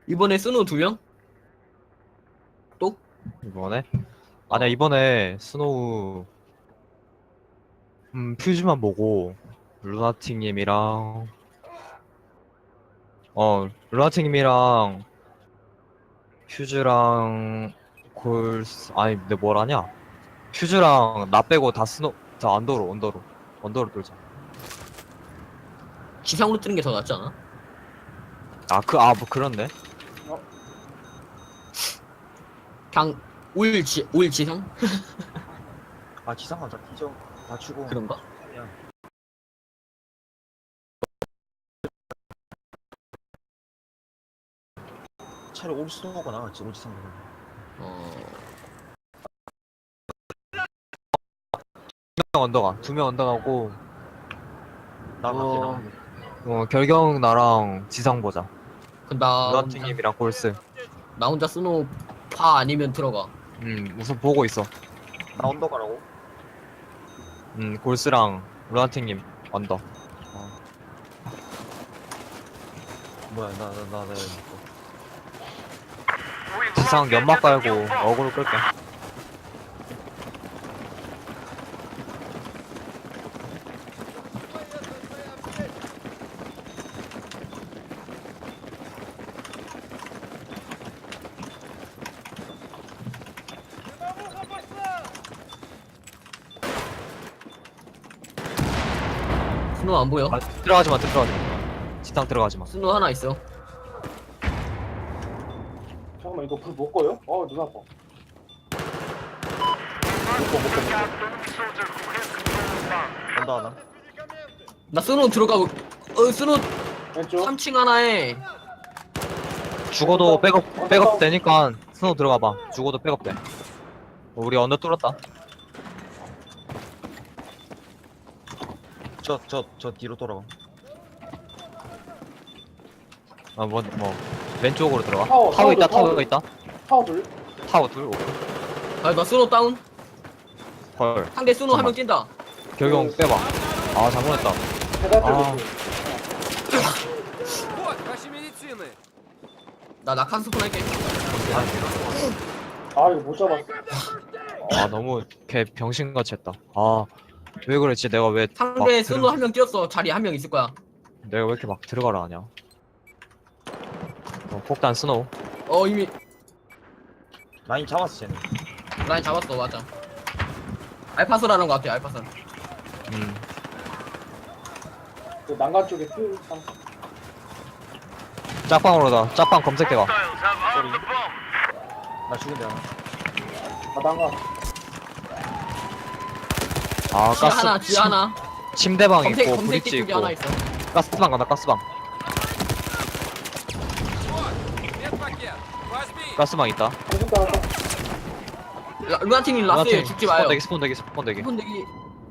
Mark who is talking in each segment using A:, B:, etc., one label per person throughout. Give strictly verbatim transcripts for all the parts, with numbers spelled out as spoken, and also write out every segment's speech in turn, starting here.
A: 이번에 스노우 두 명? 또?
B: 이번에? 아니야, 이번에 스노우 음 퓨즈만 보고 루나틱님이랑 어 루나틱님이랑 퓨즈랑 골스 아니 근데 뭘 하냐? 퓨즈랑 나 빼고 다 스노 다 언더로 언더로 언더로 돌자.
A: 지상으로 뜨는 게 더 낫지 않아?
B: 아 그 아 뭐 그런데?
C: 어?
A: 그냥 올 지, 올 지상?
C: 아 지상아 다 뒤져 맞추고
A: 그런가?
C: 그냥 차라리 올 스노우가 나았지 올 지상보다.
A: 어...
B: 두 명 언더가 두 명 언더가고
C: 나갈게
B: 어,
C: 나갈게.
B: 어 결경 나랑 지상 보자.
A: 그럼 나 혼자,
B: 루나틱님이랑 골스.
A: 나 혼자 스노우 파 아니면 들어가.
B: 음 우선 보고 있어.
C: 나 언더 가라고?
B: 음 골스랑 루나틱님 언더.
C: 뭐야 나 나 나나
B: 지상 연막 깔고 어그로 끌게.
A: 스노우 안 보여?
B: 아, 들어가지 마, 들어가지 마. 지상 들어가지 마.
A: 스노우 하나 있어.
C: 잠깐만 이거 불 못 꺼요? 어 눈 아파. 못꺼 못꺼 못꺼. 언더 하나
A: 나 스노우 들어가고, 어, 스노우
C: 왼쪽.
A: 삼 층 하나에
B: 죽어도 백업, 백업 되니까 스노우 들어가 봐. 죽어도 백업 돼. 우리 언더 뚫었다.
C: 저 저 저 뒤로 돌아가.
B: 아, 뭐, 뭐. 왼쪽으로 들어가.
C: 타워,
B: 타워 있다,
C: 타워,
B: 타워 있다.
C: 타워 둘.
B: 타워 둘, 오케이.
A: 아, 나 스노우 다운.
B: 헐.
A: 상대 스노우 한 명
B: 잠깐만.
A: 뛴다.
B: 결경 빼봐. 아, 잘못했다.
C: 계단
B: 아.
C: 쪽.
D: Вот, ваши медицины!
A: 나 낙한 스폰 할게.
C: 아 이거 못 잡았어.
B: 아, 너무 걔 병신같이 했다. 아, 왜 그랬지? 내가 왜.
A: 상대
B: 막
A: 스노우
B: 들어-
A: 한 명 뛰었어. 자리 한 명 있을 거야.
B: 내가 왜 이렇게 막 들어가라 하냐. 어, 폭탄 스노우.
A: 어, 이미
C: 라인 잡았어 쟤는.
A: 라인 잡았어. 맞아. 알파스라는 거 같아. 알파스.
B: 음.
C: 그 난간 쪽에 퓨.
B: 짝방으로다. 짝방 검색해봐.
C: 나 죽은데 하나. 아 난간.
B: 아,
A: 지하
B: 가스.
A: 하나, 지하 하나.
B: 침대방
A: 검색,
B: 있고,
A: 검색대
B: 브릿지
A: 쪽에
B: 있고.
A: 하나 있어.
B: 가스방 간다, 가스방.
D: Медпакет! Возьми!
B: 가스방 있다.
C: 공중 따라.
A: 라- 루나팀이 라스에
B: 루나팀
A: 죽지 마요.
B: 스폰 대기, 스폰 대기, 스폰 대기.
A: 스폰 대기.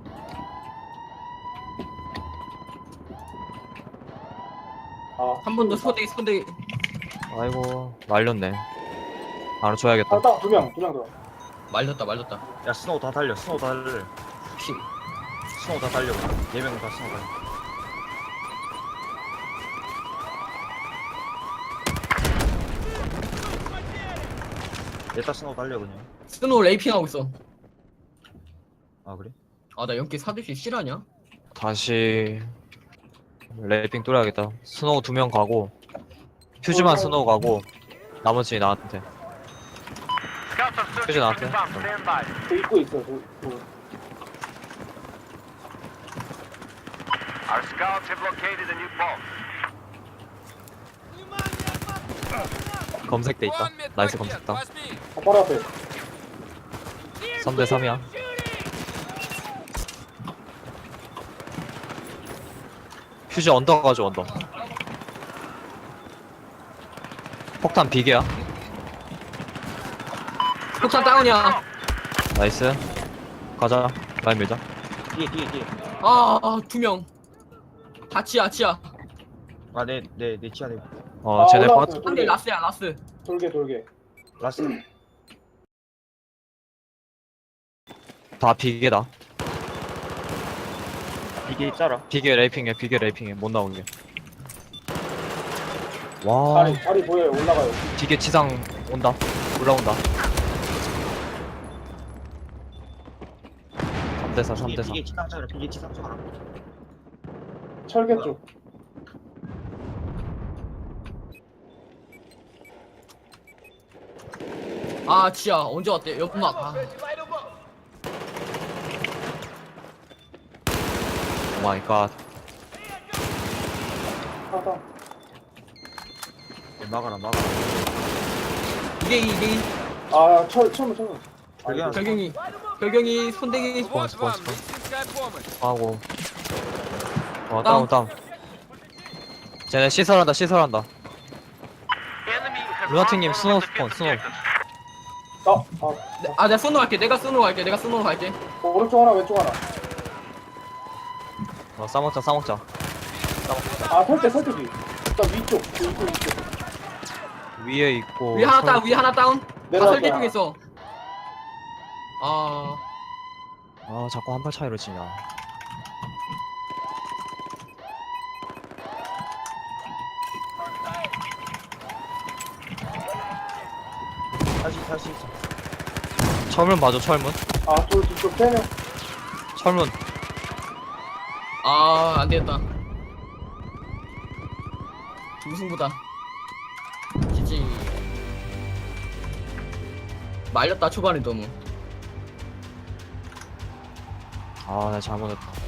C: 아
A: 한 번 더 스폰 대기, 스폰 대기.
B: 아이고, 말렸네. 하나 줘야겠다.
C: 아딱 두명 두 명 더.
A: 말렸다, 말렸다.
C: 야 스노우 다 달려 스노우 다 달려.
A: 피.
C: 스노우 다 달려. 네 명 다 스노우 달려. 얘다 스노우 달려 그냥.
A: 스노우 레이핑 하고 있어.
C: 아 그래?
A: 아, 나 연기 사듯이 실하냐?
B: 다시 래핑 뚫어야겠다. 스노우 두 명 가고 퓨즈만 스노우 가고 나머지 나한테. 퓨즈 나한테.
C: 그 입구 있어. 그, 그.
E: Our scouts have located a new bomb.
B: 검색대 있다.
D: Вон
B: 나이스
D: медпакет!
B: 검색다.
D: Возьми!
C: 아, 바로 앞에.
B: 삼 대 삼이야. 퓨즈 언더 가져 언더. 폭탄 비계야.
A: 폭탄 다운이야.
B: 나이스. 가자. 라인 밀자.
C: 뒤에 뒤에 뒤에.
A: 아, 두 명. 다 지하, 지하.
C: 아내내내 치아 내.
B: 어
C: 아,
B: 쟤네 버
C: 올라왔어요.
A: 상대 라스야, 라스.
C: 돌게 돌게. 라스.
B: 다 비계다.
C: 이게 있잖아.
B: 비계 레이핑해. 비계 레이핑해. 못 나오게. 와
F: 다리 다리 보여요. 올라가요.
B: 기계 지상 온다 올라온다 삼 대 사 삼 대 사
C: 비계 지상 쪽으로 비계 지상 쪽으로.
F: 철개 쪽.
A: 아 지야 언제 왔대? 연막. 아.
B: 오마이갓
F: 하다.
C: 막아라 막아라.
A: 이게 이게
F: 아철 철문 철문.
C: 결경
A: 결경이 결경이 손대기.
D: Вот
B: спон,
D: вам
B: спон.
D: медицинская помощь.
B: 하고 어 다운 다운 쟤네 시설한다 시설한다
E: Enemy has
B: 루나틱님
E: marked
B: 스노우
E: one of the
B: 스폰
E: fifth
B: 스노우
E: objectives.
F: 아, 아
A: 아 내가 스노우 갈게. 내가 스노우 갈게. 내가 스노우 갈게.
F: 오른쪽 하나 왼쪽 하나.
B: 어 싸먹자 싸먹자
F: 아 설대 설대기. 일단 위쪽 그 위쪽 위쪽.
B: 위에 있고
A: 위 하나
B: 설-
A: 다운. 위 하나 다운. 다
F: 내려갈게,
A: 설계
F: 하나.
A: 중에 있어. 아
B: 아 자꾸 한 발 차이로 지냐
C: 다시 다시.
B: 철문 봐줘 철문
F: 아돌 뒤쪽 세 명.
B: 철문
A: 아, 안 되겠다. 무승부다. 지지. 말렸다 초반에 너무.
B: 아 나 잘못했다